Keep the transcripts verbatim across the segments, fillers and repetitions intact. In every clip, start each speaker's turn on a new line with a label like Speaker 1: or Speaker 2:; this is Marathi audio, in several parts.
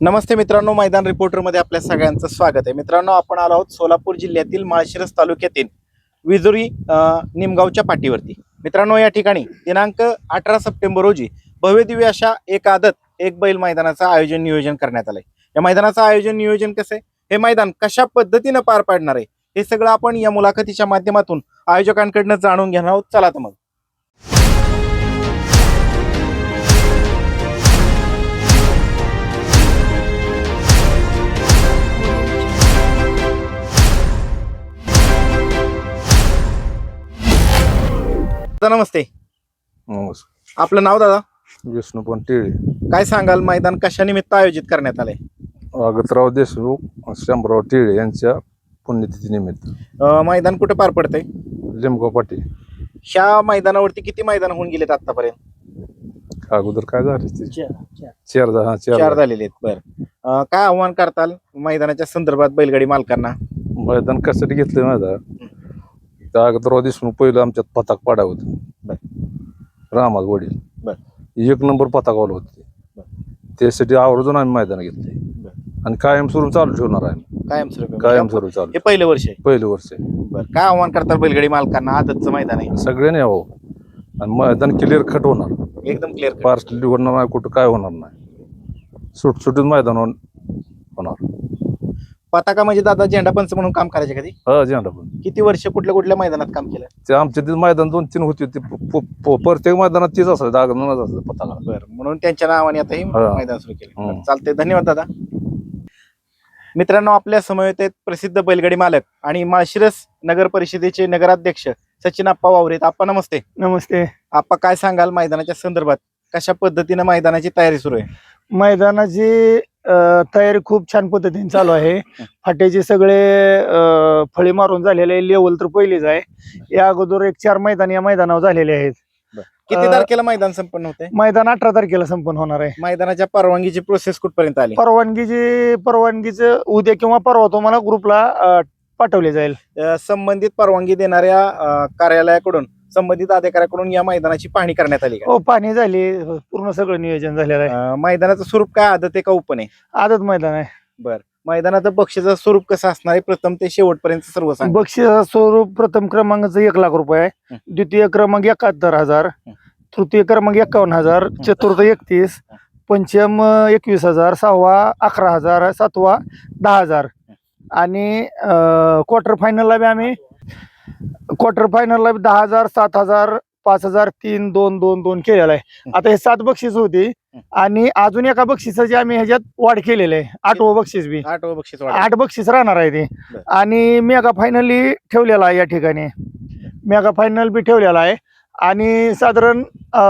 Speaker 1: नमस्ते मित्रांनो, मैदान रिपोर्टरमध्ये आपल्या सगळ्यांचं स्वागत आहे. मित्रांनो, आपण आलो आहोत सोलापूर जिल्ह्यातील माळशिरस तालुक्यातील विजुरी अ, निमगावच्या पाठीवरती. मित्रांनो, या ठिकाणी दिनांक अठरा सप्टेंबर रोजी भव्यदिव्य अशा एक आदत एक बैल मैदानाचं आयोजन नियोजन करण्यात आलंय. या मैदानाचं आयोजन नियोजन कसं आहे, हे मैदान कशा पद्धतीनं पार पाडणार आहे, हे सगळं आपण या मुलाखतीच्या माध्यमातून आयोजकांकडनं जाणून घेणार आहोत. चला तर मग. दादा नमस्ते.
Speaker 2: नमस्कार.
Speaker 1: आपलं नाव दादा?
Speaker 2: विष्णुपण टिळे.
Speaker 1: काय सांगाल, मैदान कशा निमित्त आयोजित करण्यात आलंय?
Speaker 2: अगतराव देशमुख शंभरराव टिळे यांच्या पुण्यतिथी निमित्त.
Speaker 1: अं, मैदान कुठे पार पडतंय?
Speaker 2: लिमगाव पाटी.
Speaker 1: ह्या मैदानावरती किती मैदान होऊन गेलेत आतापर्यंत?
Speaker 2: अगोदर काय झाले ते चार हा
Speaker 1: चार
Speaker 2: चार
Speaker 1: झालेले आहेत. बर, काय आव्हान करताल मैदानाच्या संदर्भात बैलगाडी मालकांना?
Speaker 2: मैदान कशासाठी घेतलं माहिती त्या अगतराव देशमुख पहिलं आमच्यात पताक पाडा होत रामाज वडील
Speaker 1: बर.
Speaker 2: एक नंबर पताकावलं होते. त्यासाठी आवर्जून आम्ही मैदान घेतले आणि कायमस्वरूप चालू ठेवणार आहे.
Speaker 1: कायमस्वरूपी
Speaker 2: कायमस्वरूप चालू.
Speaker 1: हे पहिलं वर्ष आहे.
Speaker 2: पहिलं वर्ष आहे.
Speaker 1: बर, काय आव्हान करताल बैलगाडी मालकांना? आदतचं मैदान आहे,
Speaker 2: सगळ्यांनी यावं आणि मैदान क्लिअर कट होणार.
Speaker 1: एकदम क्लिअर.
Speaker 2: पार्सली होणार नाही, कुठं काय होणार नाही. सुटसुटीत मैदान होणार.
Speaker 1: पताका म्हणजे दादा झेंडापंच म्हणून काम करायचे कधी?
Speaker 2: हा झेंडा पण
Speaker 1: किती वर्ष कुठल्या कुठल्या मैदानात काम केलं?
Speaker 2: ते आमच्या तिथे मैदान दोन तीन होती. ते प- प- प- प्रत्येक मैदानात तीच असायचं, दागनच असायचं पताका.
Speaker 1: बर, म्हणून त्यांच्या नावाने आता हे
Speaker 2: हा.
Speaker 1: मैदान सुरू केलं.
Speaker 2: हम्म.
Speaker 1: चालते, धन्यवाद दादा. मित्रांनो, आपल्या समवेत आहेत प्रसिद्ध बैलगाडी मालक आणि माळशिरस नगर परिषदेचे नगराध्यक्ष सचिन आप्पा वावरेत. आप्पा नमस्ते.
Speaker 3: नमस्ते.
Speaker 1: आप्पा, काय सांगाल मैदानाच्या संदर्भात? कशा पद्धतीने मैदानाची तयारी सुरू आहे?
Speaker 3: मैदानाची अ, तयारी खूप छान पद्धतीने चालू आहे. फाट्याचे सगळे अ, फळी मारून झालेले आहे. लेवल तर पहिलीच आहे. या अगोदर एक चार मैदान या मैदानावर झालेले आहेत.
Speaker 1: किती
Speaker 3: अ,
Speaker 1: तारखेला मैदान संपन्न होते?
Speaker 3: मैदान अठरा तारखेला संपन्न होणार आहे.
Speaker 1: मैदानाच्या परवानगीची प्रोसेस कुठपर्यंत आली?
Speaker 3: परवानगीची परवानगीचं उद्या किंवा परवा तुम्हाला ग्रुपला अ, पाठवले जाईल.
Speaker 1: अ, संबंधित परवानगी देणाऱ्या अ, कार्यालयाकडून, संबंधित अधिकाऱ्याकडून या मैदानाची पाहणी करण्यात आली का?
Speaker 3: हो, पाहणी झाली. पूर्ण सगळं नियोजन झालेलं आहे.
Speaker 1: अ, मैदानाचं स्वरूप काय, आदत आहे का ओपन आहे?
Speaker 3: आदत मैदान आहे.
Speaker 1: बर, मैदानाचं बक्षीचं स्वरूप कसं असणार आहे प्रथम ते शेवटपर्यंत सर्व सांगा.
Speaker 3: बक्षीस स्वरूप प्रथम क्रमांकाचं एक लाख रुपये आहे.
Speaker 1: हं.
Speaker 3: द्वितीय क्रमांक एकाहत्तर हजार,
Speaker 1: हं.
Speaker 3: तृतीय क्रमांक एकावन्न हजार, चतुर्थ एकतीस, पंचम अं, एकवीस हजार, सहावा अकरा हजार, सातवा दहा हजार आणि क्वार्टर फायनलला बी आम्ही क्वार्टर फायनलला बी दहा हजार, सात हजार, पाच हजार, तीन दोन दोन दोन केलेला आहे. आता हे सात बक्षीस होती आणि अजून एका बक्षिसाची आम्ही ह्याच्यात वाढ केलेली आहे. आठवं बक्षीस बी
Speaker 1: आठ बक्षीस वाढ.
Speaker 3: आठ बक्षीस राहणार आहे ते.
Speaker 1: बर.
Speaker 3: आणि मेगा फायनली ठेवलेला आहे. या ठिकाणी मेगा फायनल बी ठेवलेला आहे आणि साधारण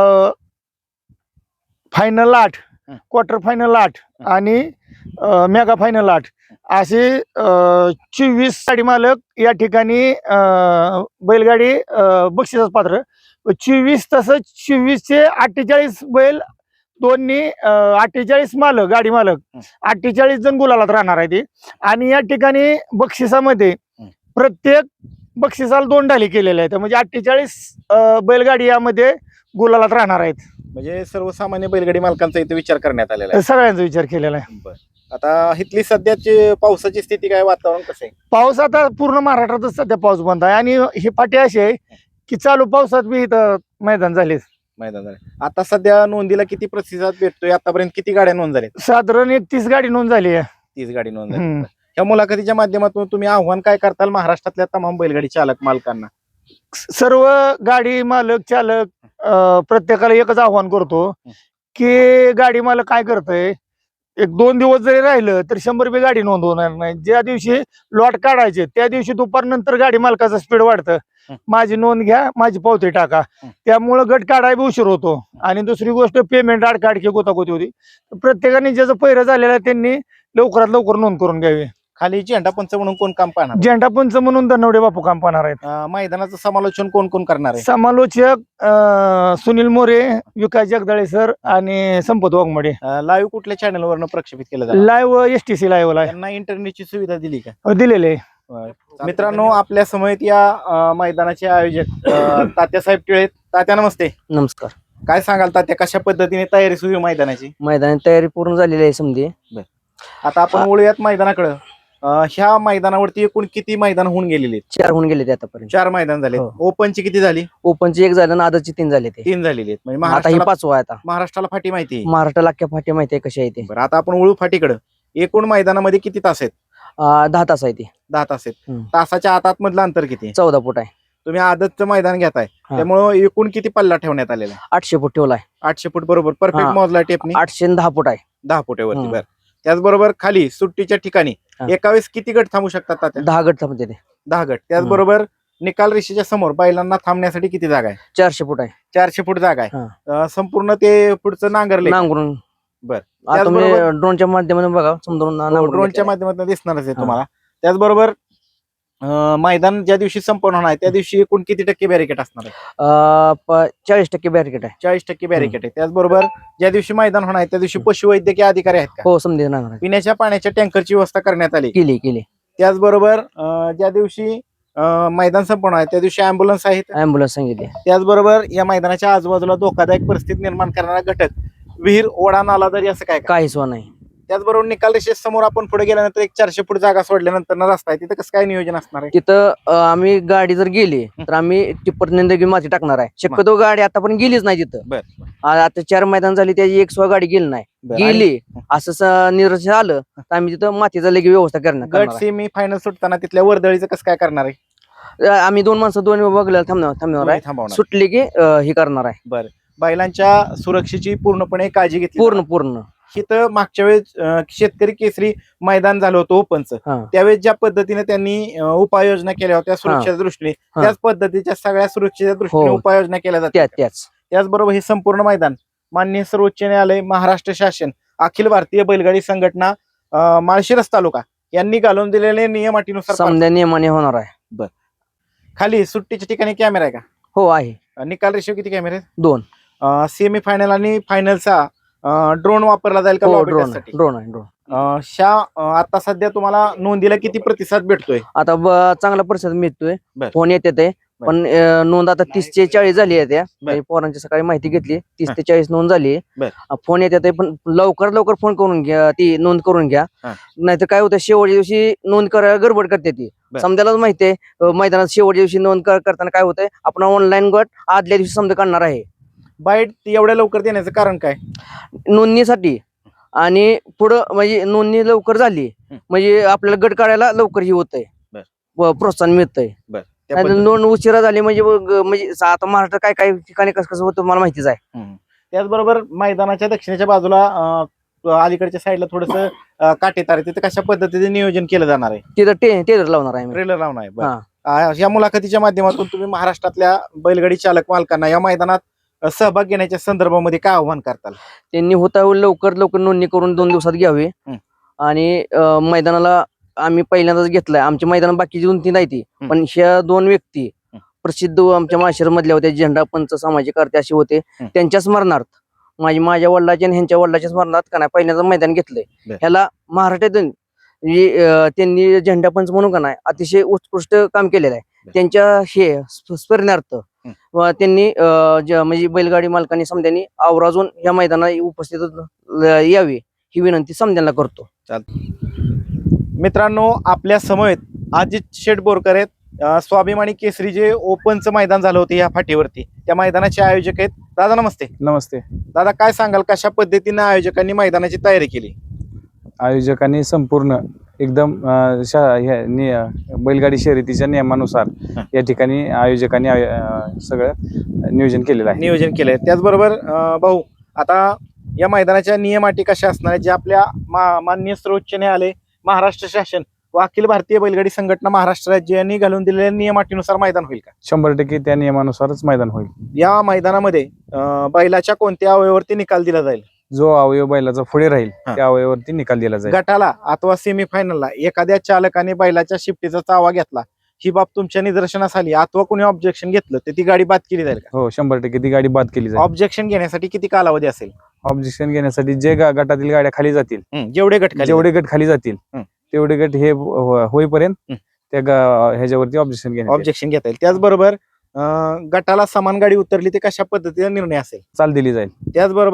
Speaker 3: फायनल आठ,
Speaker 1: हं.
Speaker 3: क्वार्टर फायनल आठ
Speaker 1: हं.
Speaker 3: आणि मेगा फायनल आठ असे चोवीस गाडी मालक या ठिकाणी अं, बैलगाडी अं, बक्षिसास पात्र. चोवीस तसंच चोवीसचे अठ्ठेचाळीस बैल दोन्ही अठ्ठेचाळीस मालक गाडी मालक
Speaker 1: हं.
Speaker 3: अठ्ठेचाळीस जण गुलालात राहणार आहे ते. आणि या ठिकाणी बक्षिसामध्ये
Speaker 1: हं.
Speaker 3: प्रत्येक बक्षिसाला दोन ढाली केलेल्या आहेत. म्हणजे अठ्ठेचाळीस बैलगाडी यामध्ये गुलालात राहणार आहेत.
Speaker 1: म्हणजे सर्वसामान्य बैलगाडी मालकांचा इथे विचार करण्यात आलेला आहे.
Speaker 3: सगळ्यांचा विचार केलेला आहे.
Speaker 1: बर, आता इथली सध्याची पावसाची स्थिती काय, वातावरण कसं आहे?
Speaker 3: पाऊस आता पूर्ण महाराष्ट्रातच सध्या पाऊस बंद आहे आणि ही पाटी अशी आहे की चालू पावसात बी इथं मैदान झाले.
Speaker 1: मैदान झालं. आता सध्या नोंदीला किती प्रतिसाद भेटतोय? आतापर्यंत किती गाड्या नोंद झाल्या?
Speaker 3: साधारण एक तीस गाडी नोंद झाली आहे.
Speaker 1: तीस गाडी नोंद झाली.
Speaker 3: हम्म.
Speaker 1: या मुलाखतीच्या माध्यमातून तुम्ही आव्हान काय करताल महाराष्ट्रातल्या तमाम बैलगाडी चालक मालकांना?
Speaker 3: सर्व गाडी मालक चालक अं, प्रत्येकाला एकच आव्हान करतो की गाडी मालक काय करतय, एक दोन दिवस जरी राहिलं तर शंभर रुपये गाडी नोंद होणार नाही. ज्या दिवशी लॉट काढायचे त्या दिवशी दुपारनंतर गाडी मालकाचं स्पीड वाढतं. माझी नोंद घ्या, माझी पावती टाका. त्यामुळं गट काढायला उशीर होतो. आणि दुसरी गोष्ट, पेमेंट आडकाडकी गोतागोती होती. प्रत्येकाने ज्याचं पहिरं झालेलं आहे त्यांनी लवकरात लवकर नोंद करून घ्यावी.
Speaker 1: खाली झेंडा पंच म्हणून कोण काम पाहणार?
Speaker 3: झेंडा पंच म्हणून धनवडे बापू काम पाहणार आहेत.
Speaker 1: अं, मैदानाचं समालोचन कोण कोण करणार आहे?
Speaker 3: समालोचक अं, सुनील मोरे, विकास जगदाळे सर आणि संपत वाघमडे.
Speaker 1: लाईव्ह कुठल्या चॅनलवरनं प्रक्षेपित केलं जातं?
Speaker 3: Live S T C live ला
Speaker 1: त्यांना इंटरनेटची सुविधा दिली का?
Speaker 3: दिलेले.
Speaker 1: मित्रांनो, आपल्या समयेत या अं, मैदानाचे आयोजक अं, तात्यासाहेब टिळे. तात्या नमस्ते.
Speaker 4: नमस्कार.
Speaker 1: काय सांगाल तात्या, कशा पद्धतीने तयारी सुरू आहे मैदानाची?
Speaker 4: मैदानाची तयारी पूर्ण झालेली आहे समधी.
Speaker 1: बर. आता आपण वळूयात मैदानाकडे. ह्या मैदानावरती एकूण किती मैदान होऊन गेलेली आहेत?
Speaker 4: चार होऊन गेले ते आतापर्यंत.
Speaker 1: चार मैदान झाले.
Speaker 4: हो.
Speaker 1: ओपनची किती झाली?
Speaker 4: ओपनची एक झालं आणि आदतची तीन झाले ते.
Speaker 1: तीन झालेली आहेत. म्हणजे
Speaker 4: आता ही
Speaker 1: महाराष्ट्राला
Speaker 4: पाचवा आहे आता.
Speaker 1: महाराष्ट्राला फाटी माहिती आहे.
Speaker 4: महाराष्ट्राला अख्ख्या फाटी माहिती आहे कशी आहे ते.
Speaker 1: बरं, आता आपण वळू फाटीकडे. एकूण मैदानामध्ये किती तास आहेत?
Speaker 4: अं, दहा तास आहे ते.
Speaker 1: दहा तास आहेत.
Speaker 4: हम्म.
Speaker 1: तासाच्या आत आतमधलं अंतर किती आहे?
Speaker 4: चौदा फूट आहे.
Speaker 1: तुम्ही आदतचं मैदान घेताय
Speaker 4: हा.
Speaker 1: त्यामुळे एकूण किती पल्ला ठेवण्यात आलेला आहे?
Speaker 4: आठशे फूट ठेवलाय.
Speaker 1: आठशे फूट बरोबर परफेक्ट
Speaker 4: हा.
Speaker 1: मोजला टेपनी.
Speaker 4: आठशे आणि दहा फूट आहे.
Speaker 1: दहा फुटावरती.
Speaker 4: हम्म.
Speaker 1: बरं, त्याचबरोबर खाली सुट्टीच्या ठिकाणी
Speaker 4: हा.
Speaker 1: एका वेळेस किती गट थांबू शकतात तात्या?
Speaker 4: दहा गट थांबते ते.
Speaker 1: दहा गट. त्याचबरोबर निकाल रेषेच्या समोर बैलांना थांबण्यासाठी किती जागा आहे?
Speaker 4: चारशे फूट आहे.
Speaker 1: चारशे फूट जागा आहे.
Speaker 4: हा.
Speaker 1: अं, संपूर्ण ते पुढचं नांगरले
Speaker 4: नांगरून.
Speaker 1: बरं.
Speaker 4: आता तुम्ही
Speaker 1: त्याचबरोबर-
Speaker 4: ड्रोनच्या माध्यमातून बघा समजून नांगरून
Speaker 1: ड्रोनच्या
Speaker 4: घेतलंय.
Speaker 1: माध्यमातून दिसणारच आहे
Speaker 4: हा.
Speaker 1: तुम्हाला. त्याचबरोबर अं, मैदान ज्या दिवशी संपन्न होणार आहे त्या दिवशी एकूण किती टक्के बॅरिकेड असणार आहे?
Speaker 4: अं, प- चाळीस टक्के बॅरिकेड आहे.
Speaker 1: चाळीस टक्के बॅरिकेड आहे. त्याचबरोबर ज्या दिवशी मैदान होणार आहे त्या दिवशी पशुवैद्यकीय अधिकारी आहेत का?
Speaker 4: हो समजे नांगर
Speaker 1: पिण्याच्या पाण्याच्या टँकरची व्यवस्था करण्यात आली.
Speaker 4: केली केली.
Speaker 1: त्याचबरोबर अं, ज्या दिवशी अं, मैदान संपन्न आहे त्या दिवशी अँब्युलन्स आहेत.
Speaker 4: अँब्युलन्स सांगितली.
Speaker 1: त्याचबरोबर या मैदानाच्या आजूबाजूला धोकादायक परिस्थिती निर्माण करणारा घटक विहीर, ओढा, नाला दरी असं काय का?
Speaker 4: काहीच वा नाही.
Speaker 1: त्याचबरोबर निकाल रेषे समोर आपण पुढे गेल्यानंतर एक चारशे फूट जागा सोडल्यानंतर ना रस्ता आहे तिथं कसं काय नियोजन असणार आहे?
Speaker 4: तिथं अं, आम्ही गाडी जर गेली तर आम्ही टिप्पर निंदगी माती टाकणार आहे. शक्यतो गाडी आतापर्यंत गेलीच नाही तिथं.
Speaker 1: बर.
Speaker 4: आ- आता चार मैदान झाली त्याची एक सुद्धा गाडी गेली नाही.
Speaker 1: बरं. आणि
Speaker 4: गेली असं स- निरसन आलं तर आम्ही तिथं मातीचा लगी व्यवस्था करणार
Speaker 1: गट
Speaker 4: करणार
Speaker 1: सेमी फायनल सुटताना तिथल्या वर्दळीचं कसं काय करणार आहे?
Speaker 4: आहे. आम्ही दोन माणसं दोन बघल्या थांबणार थांबणार आहे.
Speaker 1: दोन्ही थांबवणार.
Speaker 4: सुटली की अं, हे करणार आहे.
Speaker 1: बरं. बैलांच्या सुरक्षेची पूर्णपणे काळजी घेतली
Speaker 4: पूर्ण
Speaker 1: जाणार.
Speaker 4: पूर्ण.
Speaker 1: इथं मागच्या वेळेस अं, शेतकरी केसरी मैदान झालं होतं ओपनचं.
Speaker 4: हा.
Speaker 1: त्यावेळेस ज्या पद्धतीने त्यांनी अं, उपाययोजना केल्या होत्या सुरक्षेच्या दृष्टीने
Speaker 4: हा.
Speaker 1: त्याच पद्धतीच्या सगळ्या सुरक्षेच्या दृष्टीने
Speaker 4: हो.
Speaker 1: उपाययोजना केल्या
Speaker 4: त्या
Speaker 1: जातात.
Speaker 4: त्याच
Speaker 1: त्याचबरोबर हे संपूर्ण मैदान माननीय सर्वोच्च न्यायालय, महाराष्ट्र शासन, अखिल भारतीय बैलगाडी संघटना, अं, माळशिरस तालुका यांनी घालून दिलेले नियम अटीनुसार पार-
Speaker 4: समजा नियमाने होणार आहे.
Speaker 1: खाली सुट्टीच्या ठिकाणी कॅमेरा आहे का?
Speaker 4: हो आहे.
Speaker 1: अं, निकाल रेषीव किती कॅमेरे आहेत?
Speaker 4: दोन.
Speaker 1: सेमी फायनल आणि फायनलचा ड्रोन वापरला जाईल का
Speaker 4: हो
Speaker 1: lobby
Speaker 4: ड्रोन
Speaker 1: test साठी?
Speaker 4: ड्रोन आहे ड्रोन.
Speaker 1: अं, शा अं, आता सध्या तुम्हाला नोंदीला किती प्रतिसाद भेटतोय?
Speaker 4: आता ब- चांगला प्रतिसाद मिळतोय.
Speaker 1: बर.
Speaker 4: फोन येते ते पण अं, नोंद आता तीस ते चाळीस झाली आहे. त्या
Speaker 1: बर.
Speaker 4: पोरांची सकाळी माहिती घेतली तीस
Speaker 1: हा.
Speaker 4: ते चाळीस नोंद झाली.
Speaker 1: बर.
Speaker 4: अं, फोन येते ते पण लवकर लवकर फोन करून घ्या ती नोंद करून घ्या.
Speaker 1: हा.
Speaker 4: नाहीतर काय होतं शेवटच्या दिवशी नोंद करायला गडबड करते ती.
Speaker 1: बर.
Speaker 4: समजायलाच माहितीये अं, मैदानात शेवटच्या दिवशी नोंद कर- करताना काय होतंय आपण ऑनलाईन गट आदल्या दिवशी समजा काढणार आहे
Speaker 1: बाईट एवढ्या लवकर देण्याचं कारण काय?
Speaker 4: नोंदणीसाठी. आणि पुढं म्हणजे नोंदणी लवकर झाली
Speaker 1: हं.
Speaker 4: म्हणजे आपल्याला गट काढायला लवकर ही होतंय.
Speaker 1: बर.
Speaker 4: व प्रोत्साहन मिळतंय.
Speaker 1: त्या
Speaker 4: नाहीतर
Speaker 1: पद्धतीने.
Speaker 4: नोंद उशिरा झाली म्हणजे मग- म्हणजे आता महाराष्ट्रात काय काय ठिकाणी कसं कसं होतं मला माहितीच आहे.
Speaker 1: हम्म. त्याचबरोबर मैदानाच्या दक्षिणेच्या बाजूला अं, अलीकडच्या साईडला थोडस काटेतार आहे, तिथे कशा पद्धतीने नियोजन केलं जाणार आहे?
Speaker 4: तिथं टे टेलर लावणार आहे मी.
Speaker 1: ट्रेलर लावणार आहे. बरं.
Speaker 4: हा.
Speaker 1: अं, या मुलाखतीच्या माध्यमातून तुम्ही महाराष्ट्रातल्या बैलगाडी चालक मालकांना या मैदानात अं, सहभाग घेण्याच्या संदर्भामध्ये काय आव्हान करताल?
Speaker 4: त्यांनी होता होईल लवकर लवकर नोंदणी करून दोन दिवसात घ्यावी.
Speaker 1: हं.
Speaker 4: आणि अं, मैदानाला आम्ही पहिल्यांदाच घेतलाय. आमची मैदान बाकीची दोन तीन आहे ती
Speaker 1: हं.
Speaker 4: पण ह्या दोन व्यक्ती
Speaker 1: हं.
Speaker 4: प्रसिद्ध आमच्या माशेर मधल्या होत्या झेंडा पंच सामाजिक कार्य असे होते.
Speaker 1: हं.
Speaker 4: त्यांच्या स्मरणार्थ माझी माझ्या वडिलाच्या आणि ह्यांच्या वडिलाच्या स्मरणार्थ का नाही पहिल्यांदा मैदान घेतलंय.
Speaker 1: बर.
Speaker 4: ह्याला महाराष्ट्रातून म्हणजे, अं, त्यांनी झेंडा पंच म्हणून का नाही अतिशय उत्कृष्ट काम केलेलं आहे.
Speaker 1: बर.
Speaker 4: त्यांच्या हे स्फ- स्मरणार्थ
Speaker 1: हं.
Speaker 4: व त्यांनी अं, ज- म्हणजे बैलगाडी मालकांनी समध्यांनी आवर्जून या मैदानात उपस्थित ल- यावी ही विनंती समध्यांना करतो.
Speaker 1: मित्रांनो, आपल्या समवेत अजित शेठ बोरकर आहेत. अं, स्वाभिमानी केसरी जे ओपनचं मैदान झालं होतं या फाटीवरती त्या मैदानाचे आयोजक आहेत. दादा नमस्ते.
Speaker 5: नमस्ते.
Speaker 1: दादा काय सांगाल कशा पद्धतीने आयोजकांनी मैदानाची तयारी केली?
Speaker 5: आयोजकांनी संपूर्ण एकदम अं, शा- ह्या नि- बैलगाडी शर्यतीच्या नियमानुसार
Speaker 1: हा.
Speaker 5: या ठिकाणी आयोजकांनी आय- अं, सगळं नियोजन केलेलं आहे.
Speaker 1: नियोजन केलंय. त्याचबरोबर अं, भाऊ आता या मैदानाच्या नियम अटी कशा असणार आहेत जे आपल्या मा- माननीय सर्वोच्च न्यायालय, महाराष्ट्र शासन व अखिल भारतीय बैलगाडी संघटना महाराष्ट्र राज्य यांनी घालून दिलेल्या नियम अटीनुसार मैदान होईल का?
Speaker 5: शंभर टक्के त्या नियमानुसारच मैदान होईल.
Speaker 1: या मैदानामध्ये अं, बैलाच्या कोणत्या अवयवावरती निकाल दिला जाईल?
Speaker 5: जो अवयव बैलाचा पुढे राहील
Speaker 1: हा.
Speaker 5: त्या अवयवावरती निकाल दिला जाईल.
Speaker 1: गटाला अथवा सेमीफायनलला एखाद्या चालकाने बैलाच्या शिफ्टीचा चावा घेतला, ही बाब तुमच्या निदर्शनास आली अथवा कोणी ऑब्जेक्शन घेतलं तर ती गाडी बाद केली जाईल का?
Speaker 5: हो शंभर टक्के ती गाडी बाद केली जाईल.
Speaker 1: ऑब्जेक्शन घेण्यासाठी किती कालावधी असेल?
Speaker 5: ऑब्जेक्शन घेण्यासाठी जे गा- गटातील गाड्या खाली जातील,
Speaker 1: हं, जेवढे गट खाली
Speaker 5: जेवढे गट खाली जातील
Speaker 1: हं.
Speaker 5: तेवढे गट हे हो- होईपर्यंत
Speaker 1: हं.
Speaker 5: त्या गा- ह्याच्यावरती ऑब्जेक्शन घेण्यात येईल.
Speaker 1: ऑब्जेक्शन घेता येईल. त्याचबरोबर अं, गटाला समान गाडी उतरली ते कशा पद्धतीने निर्णय असेल?
Speaker 5: चाल दिली जाईल.
Speaker 1: त्याचबरोबर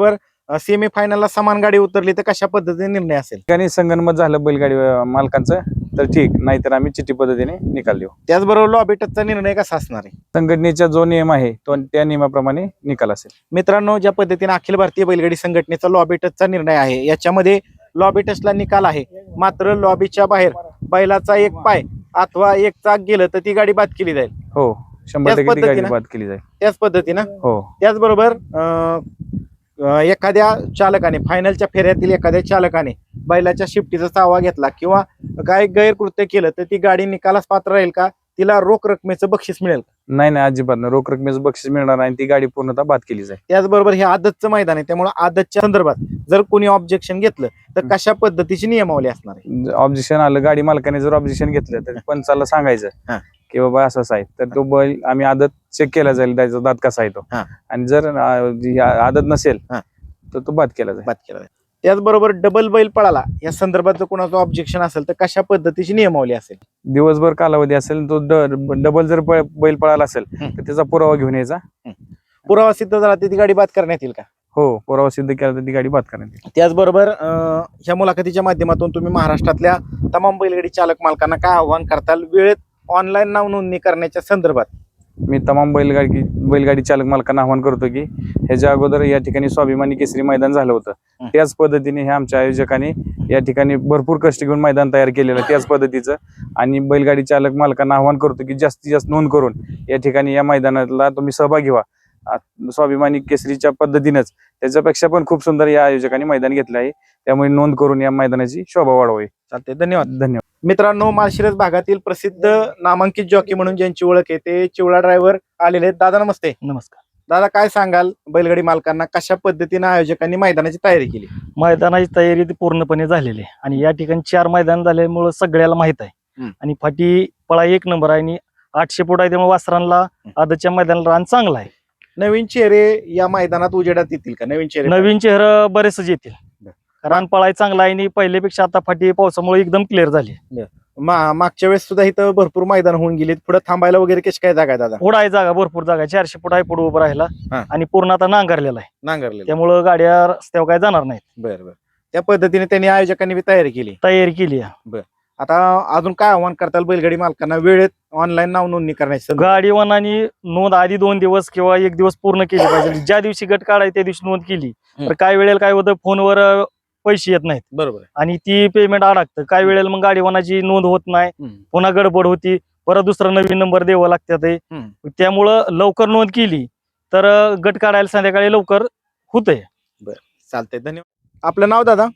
Speaker 1: सेमी फायनलला समान गाडी उतरली तर कशा पद्धतीने निर्णय असेल?
Speaker 5: ठिकाणी संगनमत झालं बैलगाडी अं, मालकांचं तर ठीक, नाहीतर आम्ही चिठ्ठी पद्धतीने निकाल देऊ.
Speaker 1: त्याचबरोबर लॉबी टचचा निर्णय कसा असणार आहे?
Speaker 5: संघटनेचा जो नियम आहे तो त्या नियमाप्रमाणे निकाल असेल.
Speaker 1: मित्रांनो, ज्या पद्धतीने अखिल भारतीय बैलगाडी संघटनेचा लॉबी टचचा निर्णय आहे, याच्यामध्ये लॉबी टचला निकाल आहे, मात्र लॉबीच्या बाहेर बैलाचा एक पाय अथवा एक चाक गेलं तर ती गाडी बाद केली जाईल.
Speaker 5: हो, शंभर
Speaker 1: त्याच
Speaker 5: टक्के ती गाडी
Speaker 1: पद्धतीनं?
Speaker 5: बाद केली जाईल.
Speaker 1: त्याच पद्धतीनं
Speaker 5: हो,
Speaker 1: त्याचबरोबर अं, अं, एखाद्या चालकाने फायनलच्या फेऱ्यातील एखाद्या चालकाने बैलाच्या शिफ्टीचा चावा घेतला किंवा काय गैरकृत्य केलं तर ती गाडी निकालास पात्र राहील का? तिला रोख रकमेचं बक्षीस मिळेल का?
Speaker 5: नाही नाही, अजिबात नाही. रोख रकमेचं बक्षीस मिळणार नाही, ती गाडी पूर्णतः बाद केली जाईल.
Speaker 1: त्याचबरोबर हे आदतचं मैदान आहे, त्यामुळे आदतच्या संदर्भात जर कोणी ऑब्जेक्शन घेतलं तर कशा पद्धतीची नियमावली असणार आहे?
Speaker 5: ऑब्जेक्शन आलं, गाडी मालकाने जर ऑब्जेक्शन घेतलं तर पंचाला सांगायचं
Speaker 1: हा.
Speaker 5: की बाबा असं असं आहे, तर तो बैल आम्ही आदत चेक केला जाईल, त्याचा दात कसा आहे तो,
Speaker 1: हा.
Speaker 5: आणि जर अं, जी आदत नसेल
Speaker 1: हा.
Speaker 5: तर तो बाद केला जाईल.
Speaker 1: बाद केला जाईल. त्याचबरोबर डबल बैल पळाला या संदर्भात जर कोणाचं ऑब्जेक्शन असेल तर कशा पद्धतीची नियमावली असेल?
Speaker 5: दिवसभर कालावधी असेल, तो ड- डबल जर प- बैल पळाला असेल
Speaker 1: हम्म.
Speaker 5: तर त्याचा पुरावा घेऊन यायचा.
Speaker 1: पुरावा सिद्ध झाला तर ती गाडी बाद करण्यात येईल का?
Speaker 5: हो, पुरावा सिद्ध केला तर ती गाडी बाद करण्यात येईल.
Speaker 1: त्याचबरोबर अं, ह्या मुलाखतीच्या माध्यमातून तुम्ही महाराष्ट्रातल्या तमाम बैलगाडी चालक मालकांना काय आव्हान करताल वेळेत ऑनलाईन नाव नोंदणी करण्याच्या संदर्भात?
Speaker 5: मी तमाम बैलगाडी बैलगाडी चालक मालकांना आवाहन करतो की ह्याच्या अगोदर या ठिकाणी स्वाभिमानी केसरी मैदान झालं होतं,
Speaker 1: हं.
Speaker 5: त्याच पद्धतीने हे आमच्या आयोजकांनी या ठिकाणी भरपूर कष्ट घेऊन मैदान तयार केलेलं आहे, त्याच पद्धतीचं. आणि बैलगाडी चालक मालकांना आवाहन करतो की जास्तीत जास्त नोंद करून या ठिकाणी या मैदानाला तुम्ही सहभागी व्हा. आ- स्वाभिमानी केसरीच्या पद्धतीनंच त्याच्यापेक्षा पण खूप सुंदर या आयोजकांनी मैदान घेतलं आहे, त्यामुळे नोंद करून या मैदानाची शोभा वाढवावी.
Speaker 1: चालते, धन्यवाद.
Speaker 5: धन्यवाद.
Speaker 1: मित्रांनो, माळशिरस भागातील प्रसिद्ध नामांकित जॉकी म्हणून ज्यांची ओळख आहे ते चिवळा ड्रायव्हर आलेले आहेत. दादा नमस्ते.
Speaker 3: नमस्कार.
Speaker 1: दादा, काय सांगाल बैलगाडी मालकांना कशा पद्धतीने आयोजकांनी मैदानाची तयारी केली?
Speaker 3: मैदानाची तयारी ती पूर्णपणे झालेली आहे आणि या ठिकाणी चार मैदान झाल्यामुळे सगळ्याला माहित आहे.
Speaker 1: हम्म.
Speaker 3: आणि फाटी पळा एक नंबर आहे आणि आठशे फूट आहे, त्यामुळे वासरांना आदतच्या मैदानाला रान चांगला आहे.
Speaker 1: नवीन चेहरे या मैदानात उजेडात येतील का? नवीन चेहरे
Speaker 3: नवीन चेहरा बरेचसे येतील.
Speaker 1: बर.
Speaker 3: रान पळाय चांगला आहे आणि पहिल्यापेक्षा आता फाटी पावसामुळे एकदम क्लिअर झाली.
Speaker 1: मा- मागच्या वेळेस सुद्धा इथं भरपूर मैदान होऊन गेले, पुढे थांबायला वगैरे कशी काय जागा आहे दादा?
Speaker 3: पुढं आहे जागा, भरपूर जागा आहे. चारशे फूट आहे पुढे उभं राहायला
Speaker 1: हा.
Speaker 3: आणि पूर्ण आता नांगरलेला आहे,
Speaker 1: नांगरले.
Speaker 3: त्यामुळं गाड्या रस्त्यावर काय जाणार नाहीत.
Speaker 1: बरं बरं. त्या पद्धतीने त्यांनी आयोजकांनी बी तयारी केली.
Speaker 3: तयारी केली आहे.
Speaker 1: आता अजून काय आव्हान करताल बैलगाडी मालकांना वेळेत ऑनलाईन नाव नोंदणी करण्याची संदर्भात?
Speaker 3: गाडी वाहनाने नोंद आधी दोन दिवस किंवा एक दिवस पूर्ण केली पाहिजे. ज्या दिवशी गट काढाय त्या दिवशी नोंद केली तर काय वेळेला काय होतं, फोनवर अं, पैसे येत नाहीत
Speaker 1: बरोबर आहे.
Speaker 3: आणि ती पेमेंट अडकतं. काय वेळेला मग गाडी वाहनाची नोंद होत नाही,
Speaker 1: हम्म.
Speaker 3: पुन्हा गडबड होती, परत दुसरा नवीन नंबर द्यावा लागतात.
Speaker 1: हम्म.
Speaker 3: त्यामुळं लवकर नोंद केली तर अं, गट काढायला संध्याकाळी लवकर होतंय.
Speaker 1: चालतंय, धन्यवाद. आपलं नाव दादा?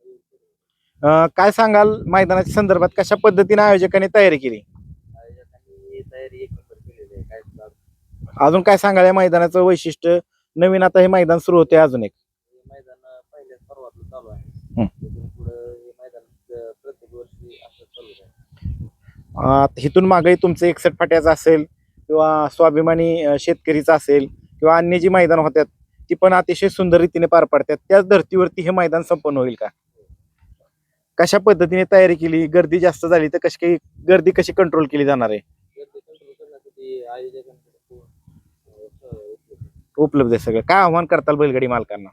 Speaker 1: अं, काय सांगाल मैदानाच्या संदर्भात कशा पद्धतीने आयोजकांनी तयारी केली? अजून काय सांगाल या मैदानाचं वैशिष्ट्य? नवीन आता हे मैदान सुरू होते अजून एक. हं. अं, इथून मागे तुमचं एकसठ फाट्याचं असेल किंवा स्वाभिमानी अं, शेतकरीचं असेल किंवा अन्य जी मैदान होत्यात ती पण अतिशय सुंदर रीतीने पार पडतात. त्याच धर्तीवरती हे मैदान संपन्न होईल का? कशा पद्धतीने तयारी केली? गर्दी जास्त झाली तर कशी काही गर्दी कशी कंट्रोल केली जाणार आहे? उपलब्ध आहे सगळं. काय आव्हान करताल बैलगाडी मालकांना?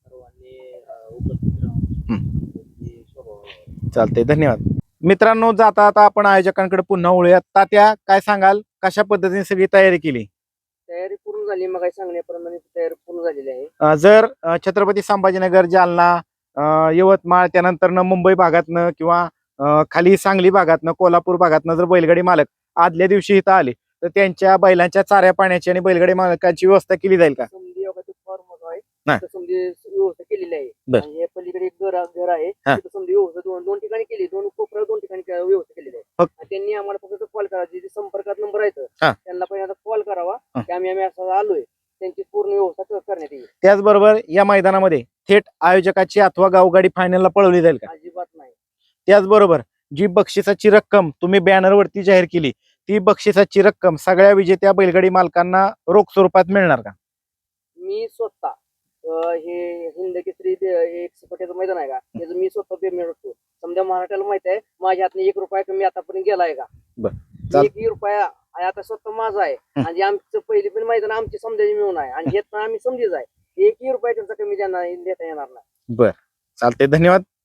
Speaker 1: चालतंय, धन्यवाद. मित्रांनो, जाता आता आपण आयोजकांकडे पुन्हा वळूयात. तात्या, काय सांगाल कशा पद्धतीने सगळी तयारी केली?
Speaker 4: तयारी पूर्ण झाली, मग सांगण्याप्रमाणे तयारी पूर्ण झालेली आहे.
Speaker 1: अं, जर अं, छत्रपती संभाजीनगर, जालना, अं, यवतमाळ, त्यानंतर मुंबई भागातनं किंवा अं, खाली सांगली भागातनं, कोल्हापूर भागातनं जर बैलगाडी मालक आदल्या दिवशी इथं आले तर त्यांच्या बैलांच्या चाऱ्या पाण्याची आणि बैलगाडी मालकाची व्यवस्था केली जाईल का?
Speaker 4: समधी योगाचं फॉर्म आहे,
Speaker 1: नाही.
Speaker 4: तिथं समधी व्यवस्था केलेली आहे.
Speaker 1: बर.
Speaker 4: आणि हे पलीकडे एक घर घर आहे,
Speaker 1: हा.
Speaker 4: तिथं समधी व्यवस्था दोन दोन ठिकाणी केली, दोन कोपऱ्या दोन ठिकाणी के- व्यवस्था केलेली आहे.
Speaker 1: फक्त-
Speaker 4: आणि त्यांनी आम्हाला फक्त कॉल करायची, जे संपर्कात नंबर आहे
Speaker 1: हा.
Speaker 4: त्यांना पहिल्यांदा कॉल करावा
Speaker 1: हा.
Speaker 4: की आम्ही आम्ही असं आलोय, त्यांची पूर्ण व्यवस्था क- करण्यात येईल.
Speaker 1: त्याचबरोबर या मैदानामध्ये थेट आयोजकाची अथवा गावगाडी फायनलला पळवली जाईल का?
Speaker 4: अजिबात नाही.
Speaker 1: त्याचबरोबर जी बक्षिसाची रक्कम तुम्ही बॅनरवरती जाहीर केली ती बक्षिसाची रक्कम सगळ्या विजेत्या बैलगाडी मालकांना रोख स्वरूपात मिळणार का?
Speaker 4: मी स्वतः अं, हे हिंद केसरी दे- एक सपाट्याचं मैदान आहे का, त्याचं मी स्वतः पेमेंट होतो. समजा मराठ्याला माहित आहे माझ्या हातनं एक रुपया कमी आतापर्यंत गेलाय का?
Speaker 1: बर. चाल-
Speaker 4: एक रुपया आणि आता स्वतः माझा आहे.
Speaker 1: हं.
Speaker 4: आणि आमचं पहिली पण मैदान आमची समजायची मिळून आहे आणि हे पण आम्ही समजीच आहे. एकही रुपया त्यांचा कमी देणार देता येणार नाही.
Speaker 1: बर, चालते, धन्यवाद.